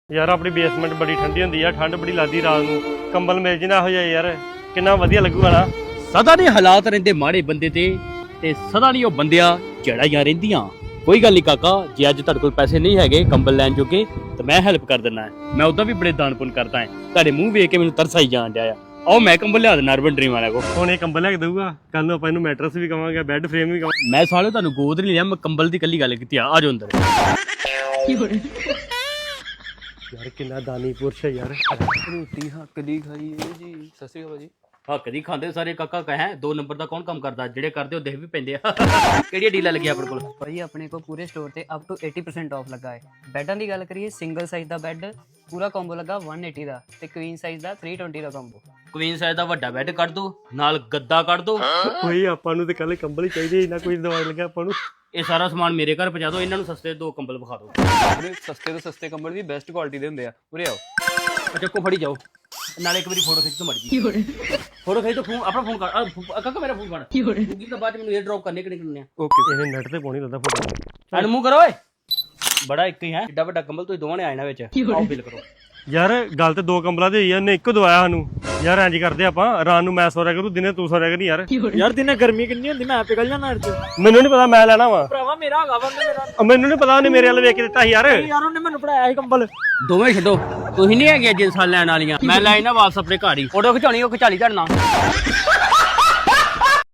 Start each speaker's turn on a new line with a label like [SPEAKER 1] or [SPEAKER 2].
[SPEAKER 1] ਯਾਰ ਆਪਣੀ ਬੇਸਮੈਂਟ ਬੜੀ ਠੰਡੀ ਹੁੰਦੀ ਆ, ਠੰਡ ਬੜੀ ਲੱਗਦੀ ਰਾਤ ਨੂੰ। ਕੰਬਲ ਮਿਲ ਜੇ ਨਾ ਇਹੋ ਜਿਹਾ ਯਾਰ, ਕਿੰਨਾ ਵਧੀਆ ਲੱਗੂਗਾ ਨਾ।
[SPEAKER 2] ਸਦਾ ਨਹੀਂ ਹਾਲਾਤ ਰਹਿੰਦੇ ਮਾੜੇ ਬੰਦੇ ਤੇ ਸਦਾ ਨਹੀਂ ਉਹ ਬੰਦਿਆਂ ਜੜਾਈਆਂ ਰਹਿੰਦੀਆਂ। ਕੋਈ ਗੱਲ ਨਹੀਂ ਕਾਕਾ, ਜੇ ਅੱਜ ਤੁਹਾਡੇ ਕੋਲ ਪੈਸੇ ਨਹੀਂ ਹੈਗੇ ਕੰਬਲ ਲੈਣ ਜੋਗੇ ਤਾਂ ਮੈਂ ਹੈਲਪ ਕਰ ਦਿੰਦਾ। ਮੈਂ ਉਦਾਂ ਵੀ ਬੜੇ ਦਾਨ ਪੁੰਨ ਕਰਦਾ ਹਾਂ। ਤੁਹਾਡੇ ਮੂੰਹ ਵੇਖ ਕੇ ਮੈਨੂੰ ਤਰਸ ਆਈ ਜਾਣ ਡਿਆ ਆ। ਆਓ ਮੈਂ ਕੰਬਲ ਲਿਆ ਦਿੰਦਾ ਅਰਬਨ ਡ੍ਰੀਮ ਵਾਲਿਆਂ ਕੋ।
[SPEAKER 1] ਹੁਣ ਇਹ ਕੰਬਲ ਲੈ ਕੇ ਦਊਗਾ, ਕੱਲ ਨੂੰ ਆਪਾਂ ਇਹਨੂੰ ਮੈਟਰਸ ਵੀ ਕਵਾਂਗੇ, ਬੈੱਡ ਫਰੇਮ ਵੀ ਕਵਾਂਗੇ।
[SPEAKER 2] ਮੈਂ ਸਾਲੇ ਤੁਹਾਨੂੰ ਗੋਦ ਨਹੀਂ ਲਿਆ, ਮੈਂ ਕੰਬਲ ਦੀ ਕੱਲੀ ਗੱਲ ਕੀਤੀ ਆ। ਆ ਜਾਓ ਅੰਦਰ।
[SPEAKER 1] ਯਾਰ ਕਿੰਨਾ ਦਾਨੀ ਪੁਰਸ਼ ਹੈ ਯਾਰ।
[SPEAKER 3] ਰੋਟੀ ਹੱਕ ਦੀ ਖਾਈਏ ਜੀ। ਸਤਿ ਸ਼੍ਰੀ ਅਕਾਲ ਭਾਜੀ।
[SPEAKER 2] ਹੱਕ ਦੀ ਖਾਂਦੇ ਸਾਰੇ ਕਾਕਾ ਕਹੇ 2 ਨੰਬਰ ਦਾ ਕੌਣ ਕੰਮ ਕਰਦਾ? ਜਿਹੜੇ ਕਰਦੇ ਉਹ ਦੇਖ ਵੀ ਪੈਂਦੇ ਆ। ਕਿਹੜੀਆਂ ਡੀਲਾਂ ਲੱਗੀਆਂ ਆਪਣੇ ਕੋਲ?
[SPEAKER 4] ਭਾਈ ਆਪਣੇ ਕੋਲ ਪੂਰੇ ਸਟੋਰ ਤੇ ਅਪ ਟੂ 80% ਆਫ ਲੱਗਾ ਹੈ। ਬੈੱਡਾਂ ਦੀ ਗੱਲ ਕਰੀਏ, ਸਿੰਗਲ ਸਾਈਜ਼ ਦਾ ਬੈੱਡ ਪੂਰਾ ਕੰਬੋ ਲੱਗਾ 180 ਦਾ ਤੇ ਕੁਈਨ ਸਾਈਜ਼ ਦਾ 320 ਦਾ ਕੰਬੋ।
[SPEAKER 2] ਕੁਈਨ ਸਾਈਜ਼ ਦਾ ਵੱਡਾ ਬੈੱਡ ਕੱਢ ਦੋ, ਨਾਲ ਗੱਦਾ ਕੱਢ ਦੋ।
[SPEAKER 1] ਕੋਈ ਆਪਾਂ ਨੂੰ ਤੇ ਕੱਲ ਕੰਬਲ ਹੀ ਚਾਹੀਦੇ, ਇੰਨਾ ਕੋਈ ਦਵਾਈ ਲੱਗਿਆ ਆਪਾਂ ਨੂੰ।
[SPEAKER 2] ਇਹ ਸਾਰਾ ਸਮਾਨ ਮੇਰੇ ਘਰ ਪਹੁੰਚਾ ਦਿਓ। ਇਹਨਾਂ ਨੂੰ ਸਸਤੇ 2 ਕੰਬਲ ਵਿਖਾ ਦਿਓ।
[SPEAKER 3] ਪੂਰੇ ਸਸਤੇ ਤੋਂ ਸਸਤੇ ਕੰਬਲ ਵੀ ਬੈਸਟ ਕੁਆਲਿਟੀ ਦੇ ਹੁੰਦੇ ਆ। ਉਰੇ ਆਓ।
[SPEAKER 2] ਚੱਕੋ ਫੜੀ ਜਾਓ। ਨਾਲੇ ਇੱਕ ਵਾਰੀ ਫੋਟੋ ਖਿੱਚ ਤੋਂ ਮੜ ਜੀ। ਫੋਟੋ ਖਿੱਚ ਤੋਂ ਫੋਨ ਆਪਣਾ ਫੋਨ ਕਰ। ਕਾਕਾ ਮੇਰਾ ਫੋਨ ਫੜ। ਗੂਗਲ ਤੋਂ ਬਾਅਦ ਮੈਨੂੰ 에ਅਰ ਡ੍ਰੌਪ ਕਰਨੇ ਕਿਹਨੇ ਕਰਨੇ ਆ।
[SPEAKER 3] ਓਕੇ।
[SPEAKER 1] ਇਹਨੇ ਨੈਟ ਤੇ ਪਾਉਣੀ ਲੱਗਦਾ ਫੋਟੋ।
[SPEAKER 2] ਐਨ ਮੂੰਹ ਕਰੋ ਓਏ। ਬੜਾ ਇੱਕ ਹੀ ਹੈ, ਏਡਾ ਵੱਡਾ ਕੰਬਲ ਤੁਸੀਂ ਦੋਵਾਂ ਨੇ ਆਇਣਾ ਵਿੱਚ। ਆਓ ਬਿੱਲ ਕਰੋ।
[SPEAKER 1] ਯਾਰ ਗੱਲ ਤੇ 2 ਕੰਬਲਾਂ ਦੀ ਹੋਈ ਆ, ਉਹਨੇ ਇੱਕੋ ਦਵਾਇਆ ਸਾਨੂੰ। ਯਾਰ ਇੰਜ ਕਰਦੇ ਆਪਾਂ, ਰਾਤ ਨੂੰ ਮੈਂ ਸੋ ਰਿਆ ਕਰੂ, ਦਿਨੇ ਤੂੰ ਸੋ ਰਿਆ ਕਰੀ।
[SPEAKER 5] ਯਾਰ ਦਿਨੇ ਗਰਮੀ ਕਿੰਨੀ ਹੁੰਦੀ, ਮੈਂ ਪਿਘਲ ਜਾਣਾ ਅੱਜ।
[SPEAKER 1] ਮੈਨੂੰ ਨਹੀਂ ਪਤਾ, ਮੈਂ ਲੈਣਾ ਵਾ।
[SPEAKER 5] ਭਰਾਵਾ ਮੇਰਾ ਹੈਗਾ ਵਾ ਮੇਰਾ।
[SPEAKER 1] ਮੈਨੂੰ ਨਹੀਂ ਪਤਾ, ਉਹਨੇ ਮੇਰੇ ਵੱਲ ਵੇਖ ਕੇ ਦਿੱਤਾ ਸੀ ਯਾਰ।
[SPEAKER 5] ਯਾਰ ਉਹਨੇ ਮੈਨੂੰ ਪੜਾਇਆ ਸੀ ਕੰਬਲ।
[SPEAKER 2] ਦੋਵੇਂ ਛੱਡੋ, ਤੁਸੀਂ ਨਹੀਂ ਹੈਗੇ ਜਿੰਸਾਂ ਲੈਣ ਵਾਲੀਆਂ। ਮੈਂ ਲੈ ਨਾ ਵਾਪਸ ਆਪਣੇ ਘਰ ਹੀ। ਫੋਟੋ ਖਿਚਾਉਣੀ ਉਹ ਖਿਚਾ ਲਈ ਤੁਹਾਡੇ ਨਾਲ।